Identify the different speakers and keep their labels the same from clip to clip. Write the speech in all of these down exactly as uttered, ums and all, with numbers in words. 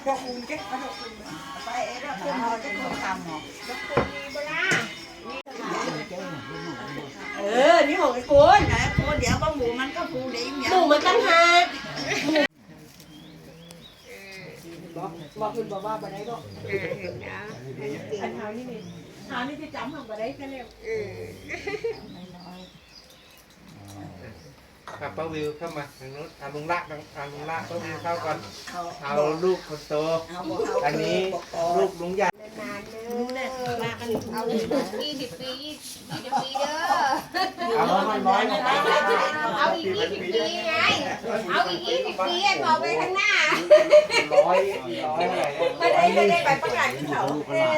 Speaker 1: ดอกคูณแกดอกคูณไปเอ๊ะดอกคูณเขาจะคนทำหรอดอกคูณมีบ้าล่ะเออนี่หกไอ้คูณนะคูณเดี๋ยวก็หมูมันก็คูณเดี๋ยวหมูมันตั้งหากบอกบอกคุณบอกว่าไปไหนก็อันเท้านี่นี่เท้านี่จะจำของไปได้แค่เร็ว
Speaker 2: กับป้าวิวเข้ามาทางนู้นทางลุงละทางลุงละป้าวิวเข้าก่อนเอาลูกคนโตอันนี้ลูกลุงใหญ่
Speaker 1: นานเลยมากันเอายี่สิบปียี่สิบปีเด้อ
Speaker 2: เอาน้อยๆ
Speaker 1: เอาอีกยี่สิบปีไงเอาอีกยี่สิบปีบอกไปข้างหน้า
Speaker 2: ร้อยร้อย
Speaker 1: ไม่ได้ไม่ได้ไปประกาศที่เขา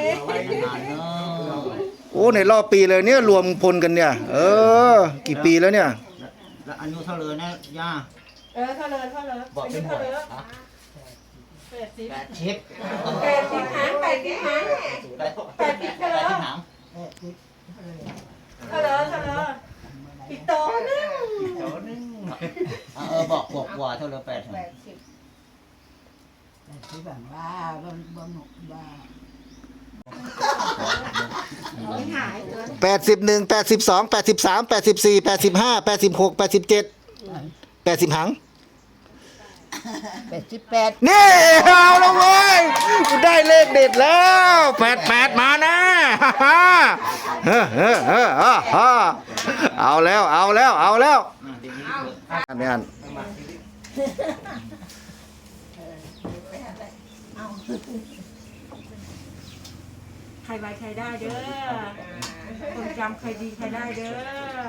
Speaker 3: โอ้ในรอบปีเลยเนี่ยรวมพลกันเนี่ยเออกี่ปีแล้วเนี่ย
Speaker 4: แล้วอายุเท่าเลยนะย่า
Speaker 1: เออเท่าเลยเท่าเลย
Speaker 4: บอกเป็นหมด
Speaker 1: แปดสิบ
Speaker 4: แปดชิป
Speaker 1: แปดสิบหางแปดสิบหางแปดสิบเท่าเลยเท่าเลยเท่าเลยอีกโตนึง
Speaker 2: อีกโตนึง
Speaker 4: เออบอกบอกว่าเท่าเลยแปด
Speaker 1: แปดสิบแปดสิบแบบบ้าบ้าบ้าหนุกบ้า
Speaker 3: แปดสิบหนึ่งแปดสิบสองแปดสิบสามแปดสิบสี่แปดสิบห้าแปดสิบหกแปดสิบเจ็ดแปดสิบหัง
Speaker 1: แปดสิบแปด
Speaker 3: นี่เอาแล้วเว้ยได้เลขเด็ดแล้วแปดแปดมานะเฮ้อเฮ้อเฮ้อเฮ้อเอาแล้วเอาแล้วเอาแล้วอันนี้อัน
Speaker 1: ใครไว้ใครได้เด้อคนจำใครดีใครได้เด้อ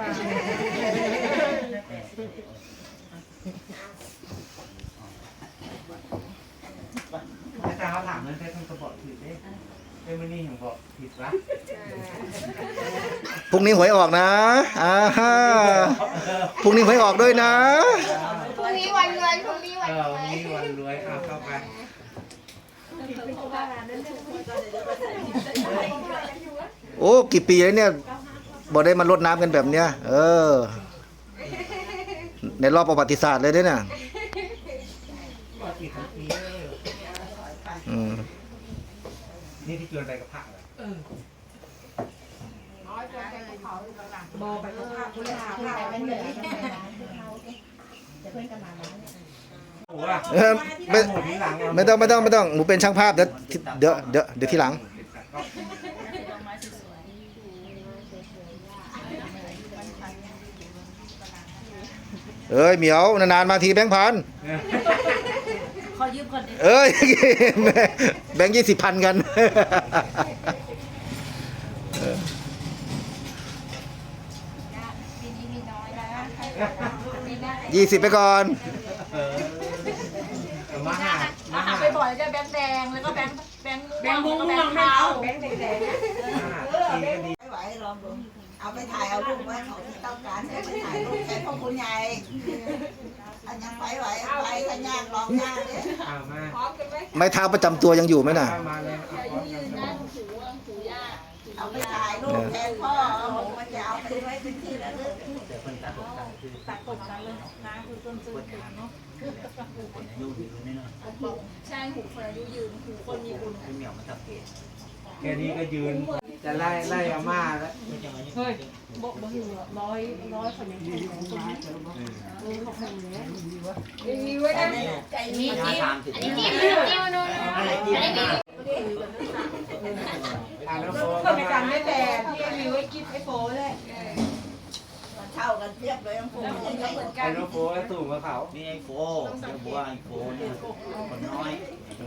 Speaker 2: อาจารย์เขาถามเรื่องแค่ต้องกระบอกผิดเด้เอ้ไม่นี่ของบอกผิดวะ
Speaker 3: พรุ่งนี้หวยออกนะอ่าฮะพรุ่งนี้หวยออกด้วยนะ
Speaker 1: พรุ่งนี้วันเงินพรุ่งนี้วัน
Speaker 2: เออวันนี้วันรวยเอาเข้าไป
Speaker 3: โอ้กี่ปีแล้วเนี่ยบ่ได้มารดน้ำกันแบบเนี้ยเออในรอบประวัติศาสตร์เลยด้วยเนี่ยอืม
Speaker 2: นี่ที่ชวนไปกับพระเหรอ
Speaker 1: บอไปกับพระพุทธาพระเป็นเหนือจะเพื่อนกันมาแล้ว
Speaker 3: เออไม่ไม่ต้องไม่ต้องไม่ต้องหนูเป็นช่างภาพเดี๋ยวเดี๋ยวเดี๋ยวเดี๋ยวทีหลังเอ้ยเหมียวนานๆมาทีแบงค์พัน
Speaker 1: ขอยืมก่อน
Speaker 3: เอ้ยแบงค์ยี่สิบพันกันยี่สิบไปก่อน
Speaker 2: มาหามาหา
Speaker 1: ไปบ่อยจะแบงค์แดงแล้วก็แบงค์แบงค์แบงค์ม่วงแบงค์ขาวแบงค์แดงไม่ไหวลองดูเอาไปถ่ายเอารูปไว้เขาที่ต้องการให้ไปถ่ายรูปแทนพ่อคุณใหญ่อันยังไปไหวไปทันยากลองยากเลย
Speaker 2: เอามา
Speaker 1: พร้อมกันไหม
Speaker 3: ไม้เท้าประจำตัวยังอยู่ไหมน่ะ
Speaker 2: มาเลย
Speaker 1: เอาไปถ่ายรูปแทนพ่อเอาหมูมาจะเอาไปไว้เป็นที่ระลึกตัดกดกันเลยนะคือต้นซื้อถึงเนาะใช่หูคนอายุยืนหูคนมีบุญ
Speaker 4: เหมียวมาสับเกต
Speaker 2: แค่นี้ก็ยืนจะไล่ไล่อาม่าแล้ว
Speaker 1: เฮ้ยบอกบอกอยู่ร้อยร้อยคนยังคงของคนนี้เออของคนนี้มีไว้ได้ใจมีจิ้มอันนี้จิ้มจิ้มนู่นอันนี้จิ้มคนในการไม่แต่ที่มีไว้กินไอ้โฟเลยเท่ากันเทียบเลยทั้งคู่
Speaker 2: ไอ้โนโฟไอ้ตู่กับเขา
Speaker 4: นี่ไอ้โฟเดี๋ยวบัวไอ้โฟเนี่ยคนน้อย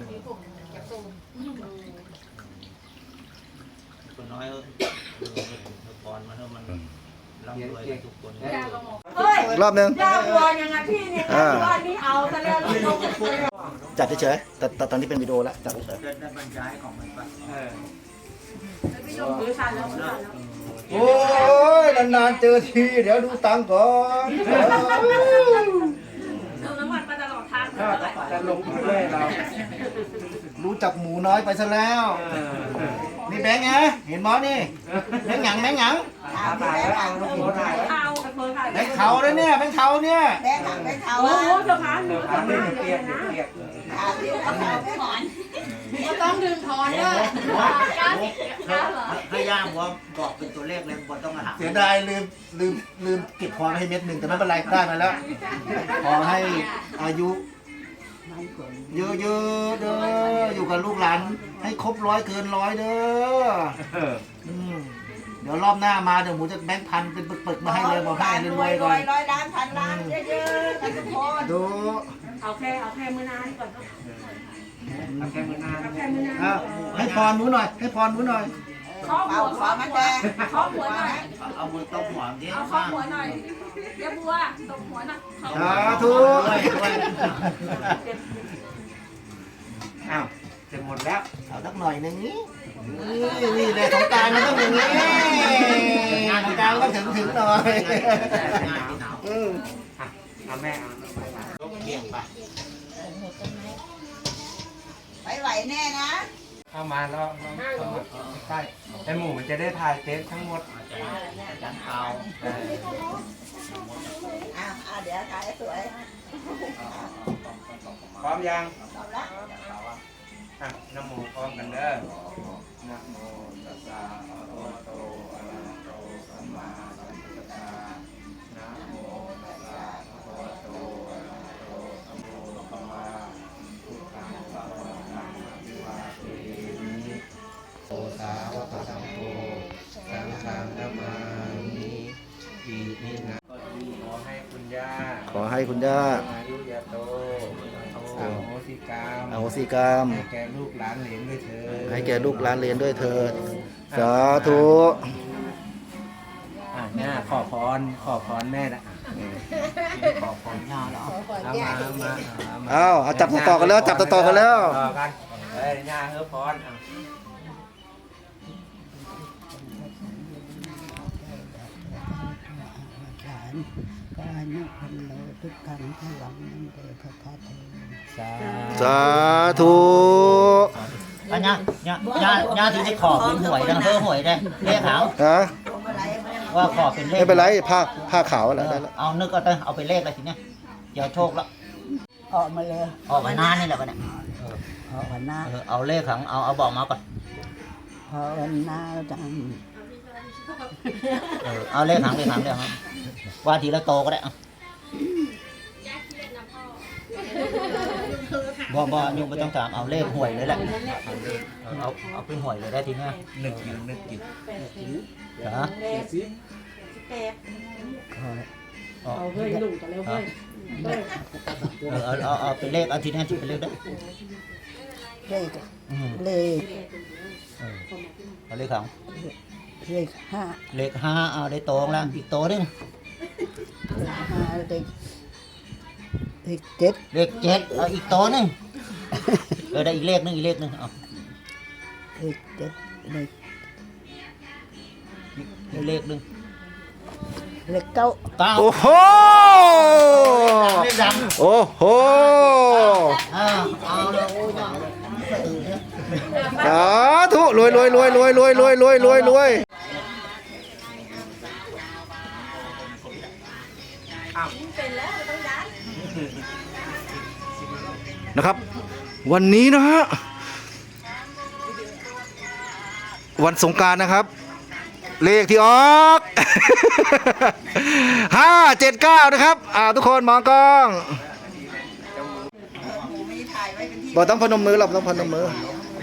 Speaker 4: คนน้อยเออพรมาเท่ามันร่ำรวยทุกคน
Speaker 1: เฮ้ย
Speaker 3: รอบนึง
Speaker 1: ยาวัวยังไงพี่เนี่ยบ้านนี้เอาซะแล้วลูก
Speaker 3: จัดเฉยๆแต่แต่ตอนนี้เป็นวิดีโอแล้วจัดเฉย
Speaker 4: ๆได้บรรยายของมันไป
Speaker 1: พี่ชมถือสั่นแล้วสั่นแล้ว
Speaker 3: โอ้ยนานๆเจอทีเดี๋ยวดูตังก่อน
Speaker 1: เติมน้ำมันมาตลอดทาง
Speaker 2: จะลงเรื่อยเรา
Speaker 3: รู้จักหมูน้อยไปซะแล้วนี่แบงค์ไงเห็นมอนี่แบงค์หยังแบงค์หยัง
Speaker 2: ถ่ายแล้วเอาโน้ตถ่าย
Speaker 1: เอา
Speaker 3: แบงค์เขาเลยเนี่ยแบงค์เขาเนี่ย
Speaker 1: แบงค์หนังแบงค์เขาโอ้โหเธอพัน
Speaker 2: เปียกเปียก
Speaker 1: เถามที่เขาไม่ถอน
Speaker 5: ก็ต้องดึงถอนเด้อเก้าสิบเก้าเหรอ
Speaker 4: ให้ย่าบัวบอกเป็นตัวเลขเลยบัวต้องมาถาม
Speaker 3: เสียดายลืมลืมลืมเก็บพรให้เม็ดหนึ่งแต่ไม่เป็นไรได้มาแล้ว ขอให้อายุเยอะๆเด้ออยู่กับลูกหลานให้ครบร้อยเกินร้อยเด้ออืมเดี๋ยวรอบหน้ามาเดี๋ยวหมูจะแบงค์พันเป็นปึกๆมาให้เลยบอกให้รวยๆก่อน
Speaker 1: ร้อยล้านพันล้านเยอะๆกันทุกคน
Speaker 3: ดู
Speaker 5: เอาแค่เอาแค่มือนานก่อนก็
Speaker 2: เอาแค่มือหน้า
Speaker 5: เอาแค่มือนาน
Speaker 3: อ่ะให้พรหนูหน่อย ให้พรหนูหน่อย
Speaker 5: เคาะหัว
Speaker 1: ขอมันแดง
Speaker 5: เคาะหัวหน่อย
Speaker 4: เอามือตบหัวดิ
Speaker 5: เอาเคาะหัวหน่อยเดี๋ยวบัวตบหัวหน่อย
Speaker 3: สาธุ
Speaker 4: ด้วยด้วย
Speaker 2: อ้าวจะหมดแล้ว
Speaker 3: เอาสักหน่อยหนึงนี่นี่นี่เลยสงกรารมันต้องอย่างนี้งานสงกรารก็ถึงถึงหน่อยอืม
Speaker 2: อ่ะเอาแม่เอายกเกียงไป
Speaker 1: ไปไหวแน่นะ
Speaker 2: เข้ามาแล้วเข้ามาใกล้ไอหมูมันจะได้ถ่ายเต็มทั้งหมด
Speaker 4: จันเอา
Speaker 2: เออ
Speaker 1: อ่ะอ่ะเดี๋ยวถ่ายสวย
Speaker 2: พร้อมยัง
Speaker 1: ตอบละ
Speaker 2: อ่ะน้ำหมูพร้อมกันเด้อนะโมตัสสะภะคะวะโตอะระหะโตสัมมาสัมพุทธัสสะนะโมตัสสะภะคะวะโตอะระหะโตสัมมาสัมพุทธัสสะพุทธังสรณังอภิวาเทมิโอสาวกสังโฆสังฆังนะมามิอิมินะก็ดีขอให้คุณย่า
Speaker 3: ขอให้คุณย่า
Speaker 2: อายุยาโตอโหสิกรรม
Speaker 3: อโหสิกรรม
Speaker 2: ให้แก่ลูกหลานเหลนด้วยเถิด
Speaker 3: ให้แก่ลูกหลานเรียนด้วยเถิด สาธุ
Speaker 2: อ่ะแม่ขอพรขอพรแม่ละขอพรย่าแล้วเอามาเอามาเอามา
Speaker 3: เอาเอาจับต่อๆกันแล้วจับต่อๆกันแล้ว
Speaker 2: ต่อกันเฮ้ยย่าเฮ้อพรอ่ะ
Speaker 6: ก็อายุพันโลทุกครั้งพลังนั่นเดชพระธาตุ
Speaker 2: สา
Speaker 3: สาธุ
Speaker 4: อันนี้เนี่ยย่าย่าที่ได้ขอเป็นหวยดังเพ้อหวยได้เลขขาว
Speaker 3: นะ
Speaker 1: พวงมาลัยไม่ได้
Speaker 4: ว่าขอเป็นเลข
Speaker 3: ไม่เป็นไรผ้าผ้าขาวอะไรได้แล้ว
Speaker 4: เอานึกเอาไปเอาไปเลขอะไรทีเนี้ยเดี๋ยวโชคแล้ว
Speaker 6: ออกมาเลย
Speaker 4: ออกมานานนี่แหละวะเนี่ย
Speaker 6: ภาวนา
Speaker 4: เออเอาเลขของเอาเอาบอกมาก่อน
Speaker 6: ภาวนาจัง
Speaker 4: เออเอาเลขหางเลขหางเลขหางว่าทีละโตก็ได้เอาบ่บ่ยุงไม่ต้องถามเอาเลขหวยเลยแหละเออเอาเอาเป็นหวยเลยได้ทีเนี้ย
Speaker 2: นึกอยู่นึกอยู่
Speaker 4: เหรอ
Speaker 6: คอย
Speaker 4: เอา
Speaker 5: เอาเฮ้ยลุงกันแล้วเฮ้ย
Speaker 4: เออเอาเอาเอาเป็นเลขเอาทีเนี้ยที่เป็นเลขได้
Speaker 6: เลข
Speaker 4: อืม
Speaker 6: เลข
Speaker 4: เออเอาเลขของ
Speaker 6: เลขห้า
Speaker 4: เลขห้าเอาได้โตแล้วอีกโตหนึง
Speaker 6: เลขห้าเลขเลขเจ็ด
Speaker 4: เลขเจ็ดเอาอีกโตหนึงเออได้อีกเลขหนึงอีกเลขหนึงเอา
Speaker 6: เลขเจ็ดเลข
Speaker 4: อีกเลขหนึง
Speaker 6: เลขเก้า
Speaker 4: เก้า
Speaker 3: โอ้โห
Speaker 4: เลขดัง
Speaker 3: โอ้โห
Speaker 4: อ่าเอาเลยโอ้ยเอาเลย
Speaker 3: สาธุรวยรวยรวยรวยรวยรวยรวยรวยรวยนะครับ วันนี้นะฮะวันสงกรานต์นะครับ เลขที่ออก ห้าเจ็ดเก้านะครับอ่าทุกคนมองกล้อง
Speaker 1: หมูมีถ่ายไว้เป็นที่
Speaker 3: บอกต้องพนมมือเราต้องพนมมือ
Speaker 1: คะแนน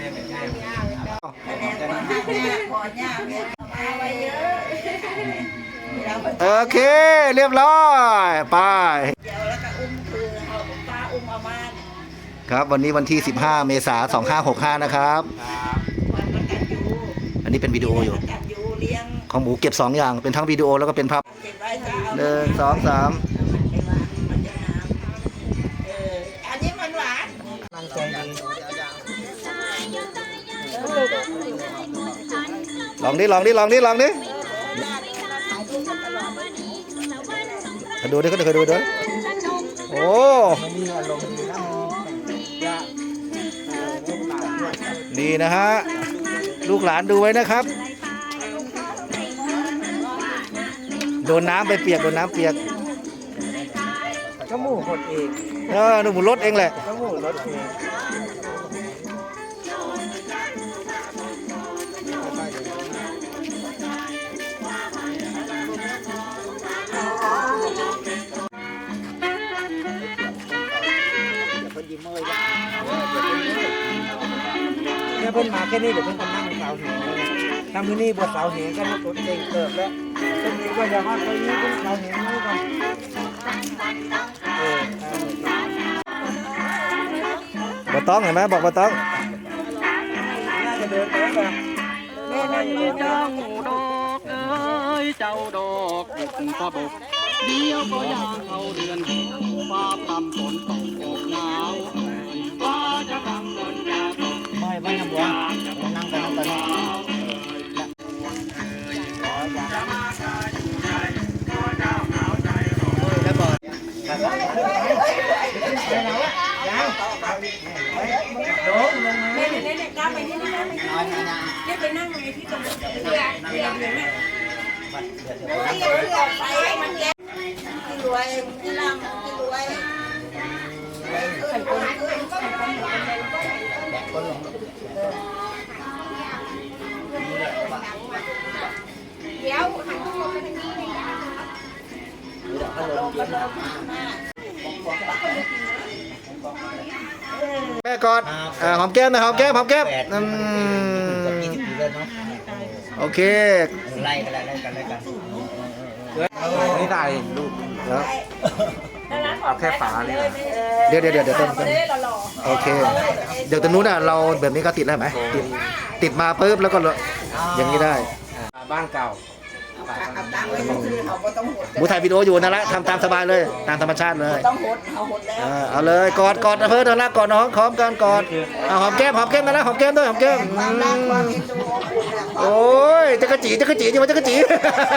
Speaker 1: ก่อนหน้าแม่ก่อนย่าแม่มาไว้เยอะเรา
Speaker 3: โอเค เรียบร้อยไป
Speaker 1: เดี๋ยวแล้วก็อุ้มคือเอาป้าอุ้มเอามา
Speaker 3: ครับวันนี้วันที่ สิบห้า เมษายน สองพันห้าร้อยหกสิบห้า นะครับ
Speaker 1: วันประกันยู
Speaker 3: อันนี้เป็นวิดีโออยู่
Speaker 1: ประกันยูเลี้ยง
Speaker 3: ของหมูเก็บ สอง อย่างเป็นทั้งวิดีโอแล้วก็เป็นภาพ
Speaker 1: เก็บไว้จะเอา
Speaker 3: หนึ่งสองสาม
Speaker 1: ไอ้หวานมันจะน้ำเอออันนี้มันหวาน
Speaker 3: ลองดิลองดิลองดิลองดิดูดิก็ดูดูดูโอ้นี่นะฮะลูกหลานดูไว้นะครับโดนน้ำไปเปียกโดนน้ำเปียก
Speaker 6: จมูก
Speaker 2: หดเอง
Speaker 3: เออหนูหมูรถเองแหละ
Speaker 2: น้ำหมูรถเอง เนี่ยเพิ่นมาแค่นี้เดี๋ยวเพิ่นก็นั่งเสาเหงเลยทำที่นี่บวชเสาเหงกันตัวเองเกิดแล้วเพิ่นนี้ก็จะฮอดไปนี้เพิ่นเสาเหงนี่ก่อนเออ
Speaker 3: บ่ต้องเห็นไหมบอกบ่ต้อง
Speaker 2: น่าจะเดินไปแบบแม่น่าจะเดินไป
Speaker 7: ดอกเอ้ยเจ้าดอกบุกกระบกเดียวก็ยางเข้าเดือนฟ้าพรำฝนตกอกหนาวฟ้าจะทำฝนจะตก
Speaker 4: ไม่ไม่น้ำบัวนั่งไปนั่งไปนั่ง
Speaker 1: เน่เน่เน่กล้าไปนี่นี่ไปนี่ไปนั่งไงที่ตรงนี้เรือเรือเรือเนี่ยที่เรือไปมันแก้ที่รวยที่ร่ำที่รวยไข่คนไข่คนเดี๋ยวหันตัวไปทางนี้เลยนะลงกันเลยมา
Speaker 3: แม่กอดอ่าหอมแก้มนะหอมแก้มหอมแก้มอืม
Speaker 4: ยี่สิบปีเลยเนาะ
Speaker 3: โอเค
Speaker 4: ไล่กันไล่กันไล่กัน
Speaker 2: ไม่ได้ลูก
Speaker 3: แล้ว
Speaker 2: เอาแค่ฝาเลยนะ
Speaker 3: เดี๋ยวเดี๋ยวเดี๋ยวเดี๋ยวต้นต้นโอเค เดี๋ยวตรงนู้นอ่ะเราแบบนี้ก็ติดแล้วไหมติดติดมาปุ๊บแล้วก็อย่างนี้ได้
Speaker 2: บ้านเก่า
Speaker 1: เอาตังค์ไว้ซื้อเขาก็ต้องหด
Speaker 3: บูถ่ายวิดีโออยู่นั่นแหละทำตามสบายเลยตามธรรมชาติเลย
Speaker 1: ต้องหดเอาหดแล้ว
Speaker 3: เออเอาเลยกอดกอดนะเพื่อนนะกอดน้องหอมกันกอดเอาหอมแก้มหอมแก้มกันนะหอมแก้มด้วยหอมแก้ม
Speaker 1: ความรักความเอ็นดูของคุณอะ
Speaker 3: โอ้ยจักรจีจักรจีจังหวะจักรจี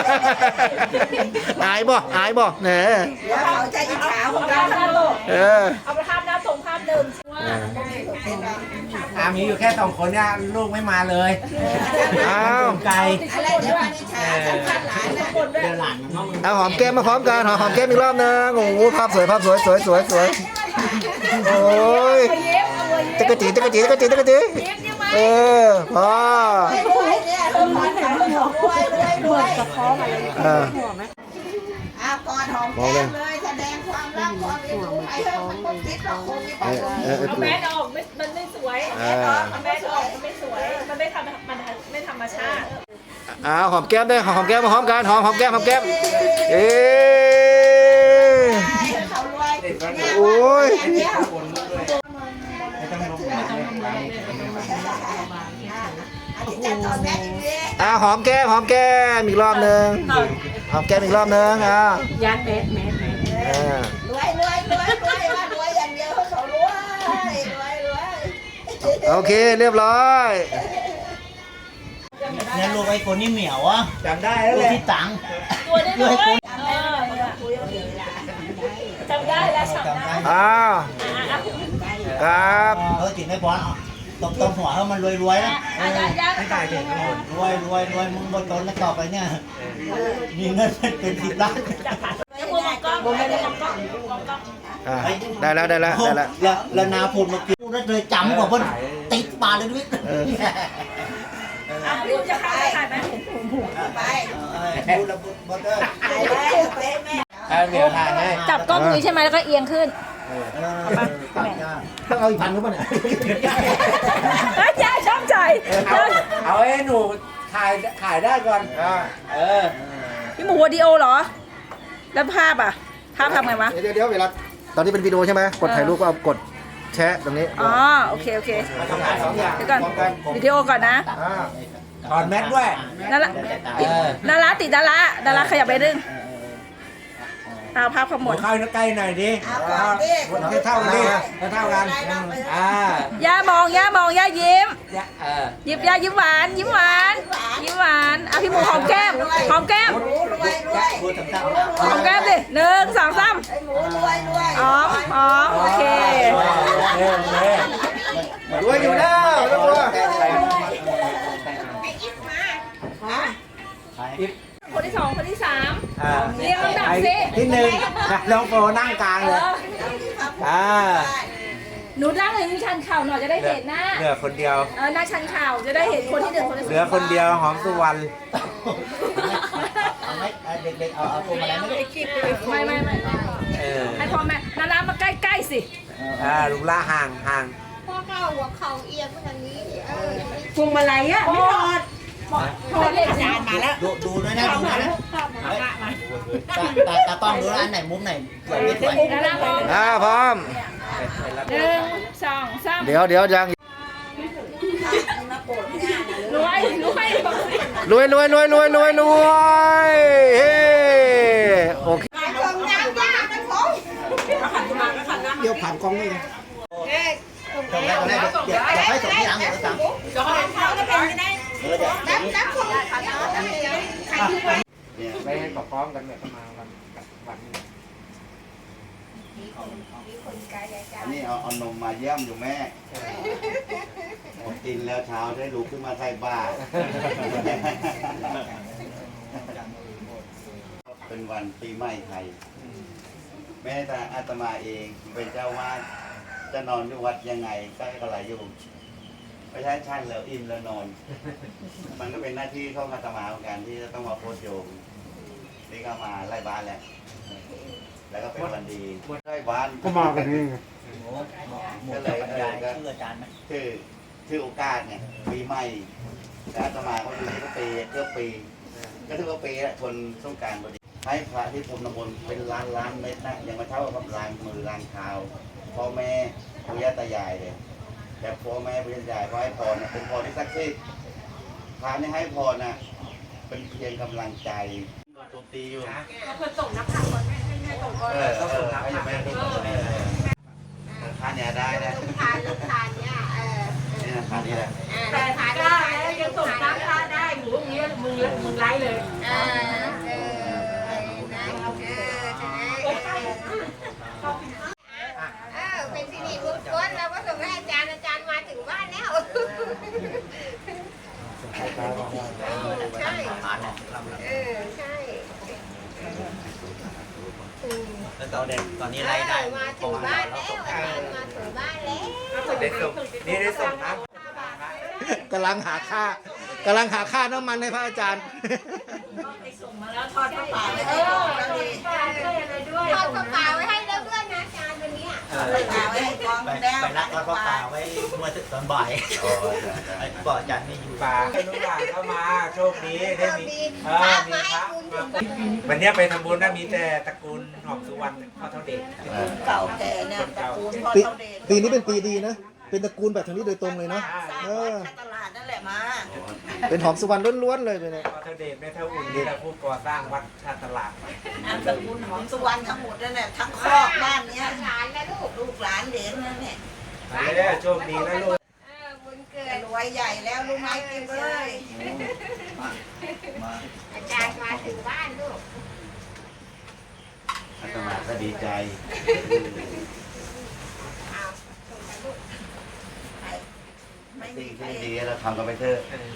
Speaker 3: อายบ่อายบ่แหน
Speaker 1: เดี๋ยวเขาจะอิจฉาของเราทั้งโลก
Speaker 3: เออ
Speaker 5: เอาไปภาพหน้าส่งภาพเดิมว่า
Speaker 2: อามีอยู่แค่สองคนเนี่ยลูกไม่มาเลย
Speaker 3: อ้าว
Speaker 2: ไกล
Speaker 1: อะไรเดี๋ยวมันอิจฉาสำคัญหลานนะ
Speaker 4: เดินหลานน้อง
Speaker 3: เอาหอมแก้มมาพร้อมกันหอมหอมแก้มอีกรอบนึงโอ้โหภาพสวยภาพสวยสวยสวยสวยโอ้ยจักรจีจักรจีจักรจีจักรจีเออพอ
Speaker 1: รวยเนี่ยรวยรวยรวยรวย
Speaker 3: เออ
Speaker 1: เอากอดหอมแก้มเลยแสดงความรักความเอ็นดูไปเถอะมันต้องคิดหรอกคงมี
Speaker 3: เออเออเออ
Speaker 5: แมสออกไม่มันไม่สวย
Speaker 3: เออ
Speaker 5: แมสออกมันไม่สวย มันไม่ทำมันไม่ธรรมชาติ
Speaker 3: เอาหอมแก้มด้วยหอมแก้มมาหอมกันหอมหอมแก้มหอมแก้มเอ๊ะ
Speaker 1: เขารวย
Speaker 3: โอ้ย
Speaker 2: ไม่ต้องลงไม่ต้องลงเลย
Speaker 1: อันนี้จะตอนแม่ดี
Speaker 3: อ่าหอมแก้มหอมแก้มอีกรอบนึงหอมแก้มอีกรอบนึงอ่ะ
Speaker 5: ยันเมสเมส
Speaker 3: เออ
Speaker 1: รวยรวยรวยรวยว่ารวยอย่างเดียวเขารวยรวยรวย
Speaker 3: โอเคเรียบร้อย
Speaker 4: เนี่ยลูกไอ้คนนี่เหมียวอ่ะ
Speaker 2: จำได้แล้ว
Speaker 4: ลู
Speaker 2: แห
Speaker 4: ก
Speaker 2: ละ
Speaker 4: ที่ตัง
Speaker 5: ตัวได้เลยเออ
Speaker 1: คุยเอาดีละ
Speaker 5: จำได้แล้วจำได้
Speaker 3: อ้าวครับ
Speaker 4: เออจิตไม่พออ่ะตบตบหัวให้มันรวยรวยนะ
Speaker 5: อ่ะยันยัน
Speaker 2: ไม่ตายเด็กทั้งหมด
Speaker 4: รวยรวยรวยมึงบนต้นแล้วต่อไปเนี่ยมีเงินเป็นสิบล้าน
Speaker 5: แล้วพวกมันก็ไม่ได้มองกล้องมองกล้อง
Speaker 3: อ่ะได้แล้วได้แล้วได้แล้ว
Speaker 4: แล้วแล้วนาพูดเมื่อกี้พูดแล้วเลยจำกว่าเพิ่นติดปากเลยด้วย
Speaker 3: เออ
Speaker 5: อ่ะพี่จะเข้าไปถ่ายไหม
Speaker 1: ไป
Speaker 4: พูดแล้วบดเด้อ
Speaker 1: ไปเลยไปแม่
Speaker 2: เอาเดี๋ยวถ่ายให้
Speaker 5: จับกล้องนี้ใช่ไหมแล้วก็เอียงขึ้น
Speaker 3: ต้องเอาอีกพันก็ป่ะเนี่ย
Speaker 5: ยายชอบใจ
Speaker 2: เอาเอาให้หนูถ่ายถ่ายได้ก่อนเออ
Speaker 5: พี่หมูวิดีโอเหรอ แล้วภาพอ่ะ ภาพทำไงวะ
Speaker 3: เดี๋ยวเดี๋ยวเวลาตอนนี้เป็นวิดีโอใช่ไหมกดถ่ายรูปก็เอากดแชะตรงนี้
Speaker 5: อ๋อ โอเค โอเค
Speaker 2: ทำงานสองอย่าง
Speaker 5: เดี๋ยวก่อนวิดีโอก่อนนะ
Speaker 3: อ่า
Speaker 2: ถอดแมสด้วย
Speaker 5: นารา
Speaker 2: เออ
Speaker 5: ดาราติดดาราดาราขยับไปนึงเอาภาพขมวด
Speaker 2: เข้าใกล้หน่อยดิ
Speaker 1: เอาก่อนดิ
Speaker 2: ให้เท่ากันดิให้เท่ากันอ่า
Speaker 5: ย่ามองย่ามองย่ายิ้ม
Speaker 2: เออ
Speaker 5: ยิ้มย่ายิ้มหวาน ยิ้มหวาน ยิ้มหวานอ่ะพี่หมูหอมแก้ม หอมแก้ม
Speaker 1: หมูรวยรวย
Speaker 4: พูดต่าง
Speaker 5: หอมแก้มดิหนึ่งสองสาม
Speaker 1: ไอ้หมูรวยรวย
Speaker 5: หอมหอมโอเค
Speaker 2: เออเออ
Speaker 3: รวยอยู่แล้วไม่ต้องกลัว
Speaker 1: ฮะ
Speaker 5: คนที่ที่สองคนที่สาม
Speaker 3: อ่า
Speaker 5: เรียงลำดับ
Speaker 3: ไอ้
Speaker 5: สิ
Speaker 3: ที่หนึ่งน้องโฟนั่งกลาง
Speaker 5: เอ
Speaker 3: เลย
Speaker 5: อ
Speaker 3: อ่า
Speaker 5: หนูนั่งเลยนี่ชันเข่าหน่อยจะได้เห็นหน้า
Speaker 3: เหลือคนเดียว
Speaker 5: เออหน้าชันเข่าจะได้เห็นคนที่หนึ่งคนที่สอง
Speaker 3: เหลือคนเดียวหอมสุวรรณ
Speaker 4: เอาไหมเอาเด็กๆเอาเอาตัวมาแล้วไม่ได้
Speaker 5: ไม่ไม่ไม่
Speaker 3: เออ
Speaker 5: ให้พ่อแม่นานามาใกล้ๆสิ
Speaker 3: อ่าลุงล่าห่างห่าง
Speaker 8: พ่อเก้าหัวเข่าเอียงไปทางนี้เออ
Speaker 1: พวงมาลัยอ่ะไม่ถอด
Speaker 5: ถอดเลยจาน
Speaker 1: มาแล้ว
Speaker 4: ดูดูด้วยนะดูนะตาตาตากล้องดูนะอันไหนมุมไหนสวยไม่สวย
Speaker 5: นานาพร้อม
Speaker 3: อ่าพร้อม
Speaker 5: หนึ่งสองสาม
Speaker 3: เดี๋ยวเดี๋ยวยัง
Speaker 5: รวยรวย
Speaker 3: รวยรวยรวยรวยรวยรวยเฮ้โอเค
Speaker 1: ส่งยางยากนะผม
Speaker 6: เดี๋ยวผ่านกองนี่นะ
Speaker 4: ตรงแรกตรงแรกเดี๋ยวเดี๋ยวให้ส่งที่หลังเดี๋ยวสั่งเออเดี๋ยว
Speaker 1: นับนับผม
Speaker 2: เนี่ยไปให้กับพร้อมกันเนี่ยก็มาวันวันนี้
Speaker 9: อันนี้เอาเอานมมาเยี่ยมอยู่แม่ผมกินแล้วเช้าได้ลุกขึ้นมาใส่บาตรเป็นวันปีใหม่ไทย แม่แต่อาตมาเองเป็นเจ้าวาดจะนอนอยู่วัดยังไงก็อะไรอยู่ไม่ใช่ชั่นแล้วอิ่มแล้วนอน มันก็เป็นหน้าที่ของอาตมาเหมือนกันที่จะต้องมาโพสโยมนี่ก็มาไล่บ้านแหละแล้วก็เป็นวันดีไล่บ้านก็มากันนี่
Speaker 4: หมูหมูจะบรรยายชื่ออาจารย์ไหม
Speaker 9: ชื่อชื่อโอกาสเนี่ยปีใหม่แล้วอาตมาเขาอยู่ที่ก็ปีเกือบปีก็ถือว่าปีละทนสงกรารพอดีให้พระที่พรมน้ำมนต์เป็นล้านล้านเม็ดนะยังมาเท่ากับล้างมือล้างเท้าพ่อแม่ปู่ย่าตายายเลยแต่พ่อแม่ปู่ย่าตายายเขาให้พรนะเป็นพรที่ศักดิ์สิทธิ์พระนี่ให้พรนะเป็นเพียงกำลังใจโจมตีอยู่นะเพื่อส่งนักข่าวก่อนแม่ให้ส่งก่อนเออเออให้แม่ส่งก่อนพระเนี่ยได้นะ
Speaker 8: ทานลูกทานเนี่ยเออ
Speaker 9: นี่นะพระนี่แหละ
Speaker 8: แต่ทานได้แล้วยังส่งตั้งค่าได้หมูอย่างเงี้ยมึงมึงไล่เลยเออเออเออเออเป็นสิริมงคลเราก็ส่งให้อาจารย์อาจารย์มาถึงบ้านแล้วใช่เออใช่อืม
Speaker 4: แล้วตอนเด็กตอนนี้ไล่ได้
Speaker 8: มาถึงบ้านแล้วอาจารย์มาถึงบ้านแล้ว
Speaker 3: ได้ส่งนี่ได้ส่งนะกำลังหาค่ากำลังหาค่าน้ำมันให้พระอาจารย์
Speaker 1: ส่งมาแล้วทอดข้าวเปล่าไม่ได้ทอดแล้วดี
Speaker 8: ทอดกระเป๋าไว้ให้แล้วเพื่อนนะอาจารย์วันนี้
Speaker 3: เออ
Speaker 1: เอาไว้ให้กอง
Speaker 4: ไป
Speaker 1: แล้ว
Speaker 4: ไปรักทอดพ่อป่าไว้เมื่อตอนบ่ายไอ้บอกอาจารย์ไม่อยู่
Speaker 2: ป่าให้ลูกหลานเข้ามาโชคดีได้มีเอ
Speaker 8: พ
Speaker 2: อ
Speaker 8: ระ
Speaker 2: มี
Speaker 8: มา
Speaker 2: พ
Speaker 8: ให้
Speaker 2: ระ
Speaker 8: คุณ
Speaker 2: มาวันนี้ไปทำบุญนะมีแต่ตระกูลหอมสุวรรณพ่อเท่าเด็ก
Speaker 1: เก่าแก่เนี่ยตระกูลพ่อ
Speaker 3: ปี
Speaker 1: เท่าเดช
Speaker 3: ปีนี้เป็นปีดีนะ เป็นตระกูลแบบทางนี้โดยตรงเลยเนาะ
Speaker 1: สร้าง
Speaker 3: เอ
Speaker 1: วั
Speaker 3: อ
Speaker 1: ดตลาดนั่นแหละมา
Speaker 3: เป็นหอมสุวรรณล้วนๆเลยไปเนี่ย
Speaker 2: พ่อเท่าเด็กแม่เท่าอุ่นนี่แหละผู้ก่อสร้างวัดท่าตลาด
Speaker 1: นามสกุลหอมสุวรรณทั้งหมดนั่นแหละทั้งครอบบ้านเนี้ย
Speaker 8: หลานและลูก
Speaker 1: ลูกหลานเหลนนั่นเนี่ย
Speaker 2: มาเลยโชคดีนะลูก
Speaker 8: เออบุญเกิด
Speaker 1: รวยใหญ่แล้วลูกไม้กินเลย
Speaker 8: อาจารย์มาถึงบ้านลูก
Speaker 9: อาตมาก็ดีใจ
Speaker 8: เอาส่งกันลูก
Speaker 1: ไม่มี
Speaker 9: สิ่ง
Speaker 1: ใคร
Speaker 9: ที่ดีเราทำกันไปเถอะ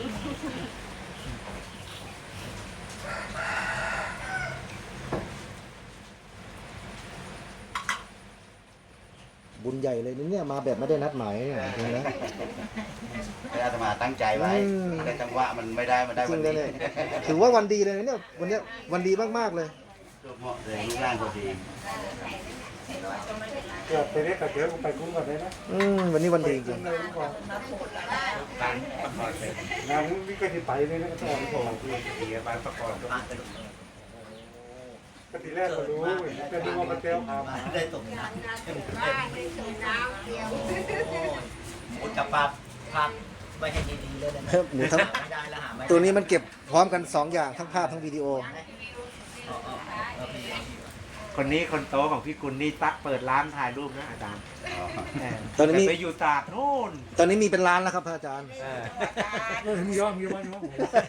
Speaker 3: บุญใหญ่เลยนี่เนี่ยมาแบบไม่ได้นัดหมายเนี่ยจริงนะ
Speaker 9: อาตมาตั้งใจไว้
Speaker 3: อืม
Speaker 9: แต่จังหวะมันไม่ได้มันได้
Speaker 3: จริ
Speaker 9: วัน
Speaker 3: งเลย
Speaker 9: นี้
Speaker 3: เนี่ยถือว่าวันดีเลยนะเนี่ยวันเนี้ยวันดีมากๆเลย
Speaker 9: เหมาะเลยลูกร่างพอดี
Speaker 2: เกิดไปได้กับเดี๋ยวไปคุ้มกันได้นะ
Speaker 3: อืมวันนี้วันดีจริง
Speaker 2: งานนี้ก็ที่ไปเลยนะก็ต้องขอที่ที่บ้านประกอบก็ทีแรกก็รู้แต่ดูว่ามันเตี้ยวครับ
Speaker 4: ได้ตรงนี้
Speaker 8: บ้านได้ส่งน้ำเดียว
Speaker 4: หมูจับปลาพักไว้ให้ดีๆเลยนะ
Speaker 3: เพิ่มหมูทั้ง
Speaker 4: ไม่ได้แล้วหาไม่
Speaker 3: ตัวนี้มันเก็บพร้อมกันสองอย่างทั้งภาพทั้งวิดีโอ
Speaker 2: คนนี้คนโตของพี่กุลนี่ตักเปิดร้านถ่ายรูปนะอาจารย์
Speaker 3: ตอนนี้มี
Speaker 2: ไปอยู่ตราดนู่น
Speaker 3: ตอนนี้มีเป็นล้านแล้วครับพระอาจารย์
Speaker 2: เออมียอมมียอมมียอม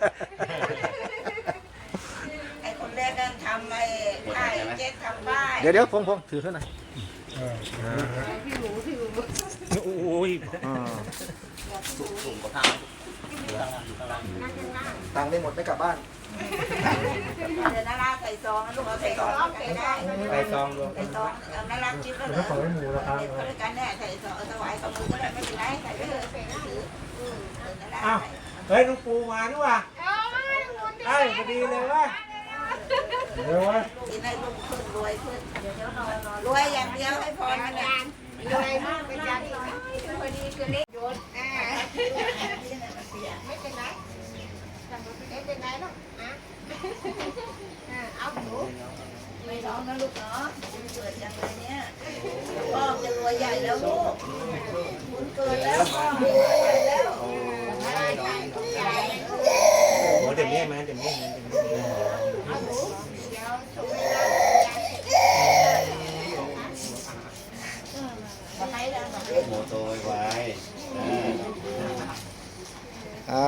Speaker 1: ไอ้คนแรกนั่นทำไอ้ป้ายเจ็ดทำป้าย
Speaker 3: เดี๋ยวเดี๋ยวพงพงถือเท่าไหร่อย
Speaker 2: โอ้ย
Speaker 3: อ่า
Speaker 4: สูงสูงกว่าข้างอยู่ข้างล่างอยู่ข้างล่าง
Speaker 3: ตังค์ไม่หมดไม่กลับบ้าน
Speaker 1: เดี๋ยวนาราใส่ซองนะลูกเอาใส่ซองใส่ได้
Speaker 2: ไปซองรวม
Speaker 1: ใส่ซองเอานาราคิดแล้วเหรอเด็กเขาด้วยกันแน่ใส่ซองเอาถวายกับมือก็ได้ไม่เป็นไรใส่ไปเลยถืออืมเออนารา
Speaker 2: อ้าว
Speaker 1: ใส่
Speaker 2: เฮ้ยน้องปูมาด้วยว่ะเอ้ยพอดีเลยว่ะเดี๋ยววะ
Speaker 1: กินให้ลูกขึ้นรวยขึ้นรวยอย่างเดียวให้พรมันเนี่ย
Speaker 8: รวยมากเป็นยาดีพอดีคือเล็กโยนอ่าไม่เป็นไรไม่เป็นไรหรอกนะเอาหนู
Speaker 1: ไม่ร้องนะลูกเนาะคุณเกิดอย่างไรเนี่ยพ่อจะรวยใหญ่แล้วลูกคุณเกิดแล้วพ่อรวยใหญ่แล้ว
Speaker 2: โอ้เดี๋ยวนี้มาเดี๋ยวนี้มาเดี๋ยวนี้
Speaker 8: เอาหนูเดี๋ยวส่งเวลา
Speaker 9: โมโตไว้
Speaker 3: อ่า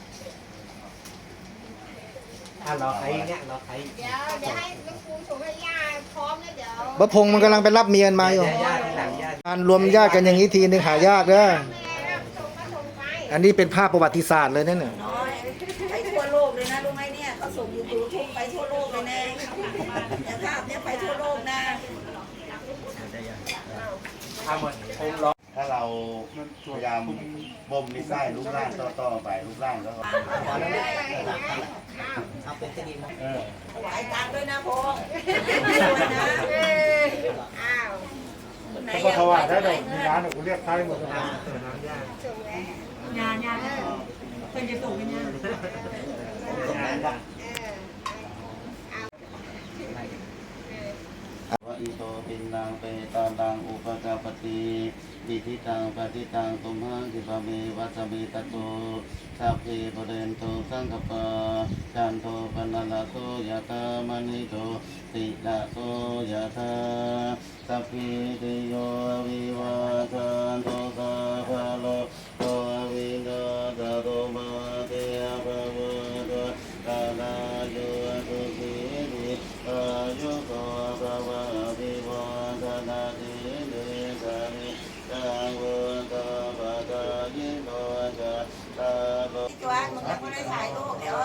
Speaker 2: อ่ะรอใครเนี่ยรอใคร
Speaker 8: เดี๋ยวเดี๋ยวให้ลูกปูส่งให้ย่าพร้อมแล้วเดี๋ยว
Speaker 3: บะพงมันกำลังไปรับเมียนมาอยู่
Speaker 2: ญาติญาติที่หลังญาติ
Speaker 3: การรวมญาติกันอย่างนี้ทีนึงหายากเด้อ
Speaker 8: แม่ส่งมาส่งไป
Speaker 3: อันนี้เป็นภาพประวัติศาสตร์เลยนั่นน่ะ
Speaker 1: น้อยไปทั่วโลกเลยนะรู้ไหมเนี่ยเขาส่งยูทูบไปทั่วโลกเลยนะเนี่ยภาพเนี่ยไปทั่วโลกนะ
Speaker 2: เอาหมดองค์รอ
Speaker 9: ถ้าเราพยายามบ่มนิสัยรูปร่างต่อๆไปรูปร่างแล้วก็
Speaker 4: เอาเป็นที่ดีมั้ง
Speaker 2: เออ
Speaker 1: ถวายตังค์ด้วยนะพงษ์ด้วยนะ
Speaker 8: อ้าว
Speaker 1: คนไหน
Speaker 2: เขา
Speaker 1: อยาก
Speaker 2: ถวาย
Speaker 1: ไป
Speaker 2: ได้
Speaker 1: เท่า
Speaker 2: ด
Speaker 1: ไห
Speaker 2: อ
Speaker 1: ร่
Speaker 2: กมีร้านกูเรียกใครหมดเลยน้ำญาติ
Speaker 8: ส่งแล้ว
Speaker 5: งานงานเป็นจะส่งเป็นงาน
Speaker 9: วะอิโตปินนางเปตานังอุปกาปติอิทิตังปฏิตังตุมหังคิปะเมวัสมิตโตสัพเพปเรนโตสังกปะจันโทปนัลโสยะตามณิโตติละโสยะตาสัพพิติโยวิวัชชันโตสัพพะโลโกวินาศโตมาเตภวะตตาลาโยสุขีติอายุโกภวะภิวาทนาติเดชะนิจังวุตาปะกายิโนจะตาโล
Speaker 1: จวนมึงยังไม่ได้ถ่ายรูปเดี๋ยว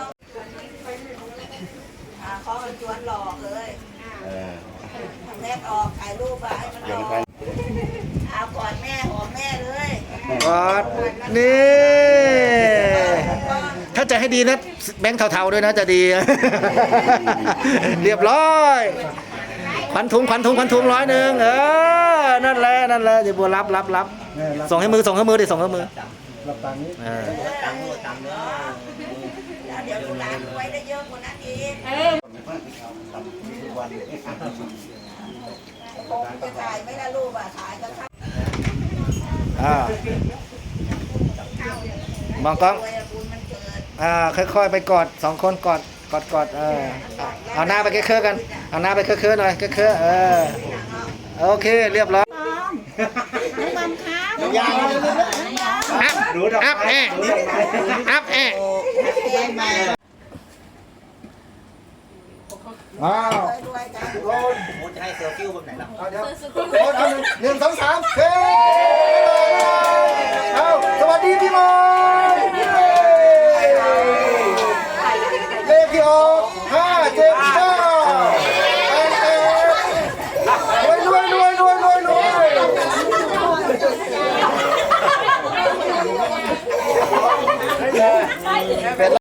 Speaker 1: อ่าเขาเป็นจวนหลอกเลย
Speaker 9: เออ
Speaker 1: ทำแรกออกถ่ายรูปอะให้มัน
Speaker 9: อ
Speaker 1: อย่าง อก
Speaker 9: กัน
Speaker 1: เอาก่อนแม่หอมแม่เลย
Speaker 3: วัดนี่ ถ้าจะให้ดีนะแบงค์เทาๆด้วยนะจะดี เรียบร้อยขวัญถุงขวัญถุงขวัญถุงร้อยหนึ่งเออนั่นแหละนั่นแหละเดี๋ยวบัวรับรับรับส่งให้มือส่งให้มือดิส่งให้มือ
Speaker 2: รับตังค์นี้
Speaker 3: เออ
Speaker 4: ตังค์ตังค์เนาะ
Speaker 1: แล้วเดี๋ยวลูกหลานรวยได้เยอะกว่านั้นอีก
Speaker 9: ทุกวัน
Speaker 1: คงจะถ่ายไม่ได้รูปอะถ่ายก็ถ่าย
Speaker 3: อ่า มองกล้อง
Speaker 1: รวยอะบุญมันเกิด
Speaker 3: อ่าค่อยๆไปกอดสองคนกอดกอดกอดเออเอาเอาหน้าไปเคอะๆกันเอาหน้าไปเคอะๆหน่อยเคอะๆเออโอเคเรียบร้อยอัพ
Speaker 2: รู้ดอก
Speaker 3: อัพ
Speaker 2: ไม้
Speaker 3: แอะอัพแอะอ้าว
Speaker 1: รวยๆกัน
Speaker 3: โอน
Speaker 4: โอ้จะให้เซลฟี่แบบไหนล่ะ
Speaker 3: เอาเดี๋ยวโอนเอาหนึ่งหนึ่งสองสามเฮ้เอาสวัสดีพี่โมเลขที่ออก